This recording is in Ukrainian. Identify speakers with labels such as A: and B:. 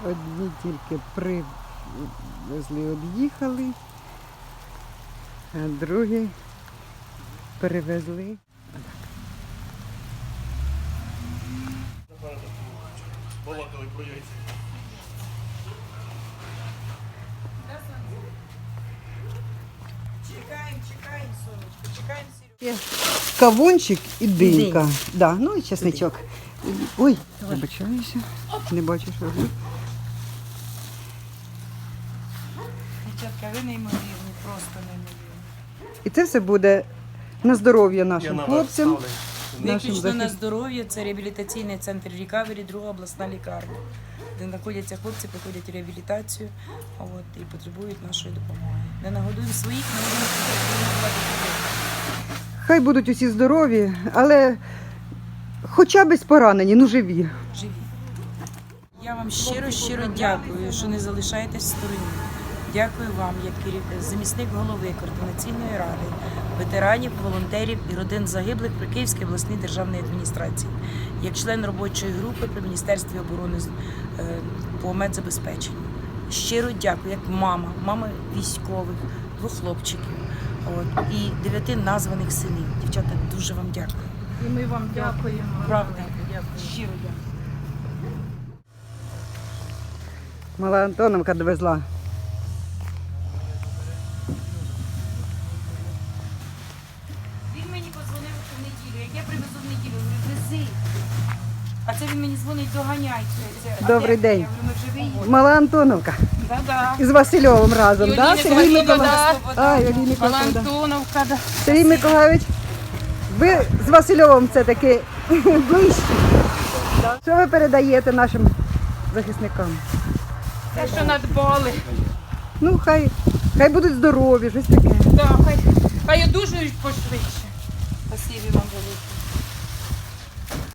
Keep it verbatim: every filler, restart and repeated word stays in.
A: Одні тільки привезли, од'їхали, а другі перевезли.
B: Балакали про яйця.
C: Чекаємо, чекаємо, сонечко, чекаємо, Сережа.
A: Є кавунчик і динька.
C: Динь.
A: Да, ну і чесничок. Ой, вибачаюся. Не бачу, що роблю.
C: Дівчатка, ви неймовірні, просто неймовірні.
A: І це все буде на здоров'я
B: Я
A: нашим
B: на
A: хлопцям.
B: вас ставлю.
A: Нашим
C: Виключно на
A: захис-
C: здоров'я, це реабілітаційний центр Рікавері, друга обласна лікарня, де знаходяться хлопці, проходять реабілітацію от, і потребують нашої допомоги. Не нагодуємо своїх, не нагодуємо.
A: Хай будуть усі здорові, але хоча б поранені, ну живі.
C: Живі. Я вам щиро, щиро дякую, що не залишаєтесь в стороні. Дякую вам, як керів- замісник голови Координаційної ради, ветеранів, волонтерів і родин загиблих при Київській обласній державній адміністрації, як член робочої групи при Міністерстві оборони е, по медзабезпеченню. Щиро дякую, як мама, мама військових, двох хлопчиків от, і дев'яти названих синів. Дівчата, дуже вам дякую.
D: І ми вам дякуємо.
C: Правда, щиро дякую.
A: Мала Антоновка довезла.
C: Він мені подзвонив у неділю, як я привезу в неділю, говорю, вези. А це він мені дзвонить, доганяй. це- це. А
A: Добрий
C: де?
A: день.
C: Я говорю, ми вже виїхали.
A: Мала Антоновка.
D: Да-да.
A: Із Васильовим разом,
C: Юлія
A: так? Да? Сергій
C: Миколаївна,
A: Миколаївич.
C: да.
A: А, Юлій Миколаївич, да.
D: Антоновка, да.
A: Сергій Миколаївич, ви з Васильовим це таки ближчі. Що ви передаєте нашим захисникам?
D: Те, що надбали.
A: Ну, хай, хай будуть здорові, щось таке.
D: Да, хай, хай одужують пошвидше.
C: Спасибі вам велике.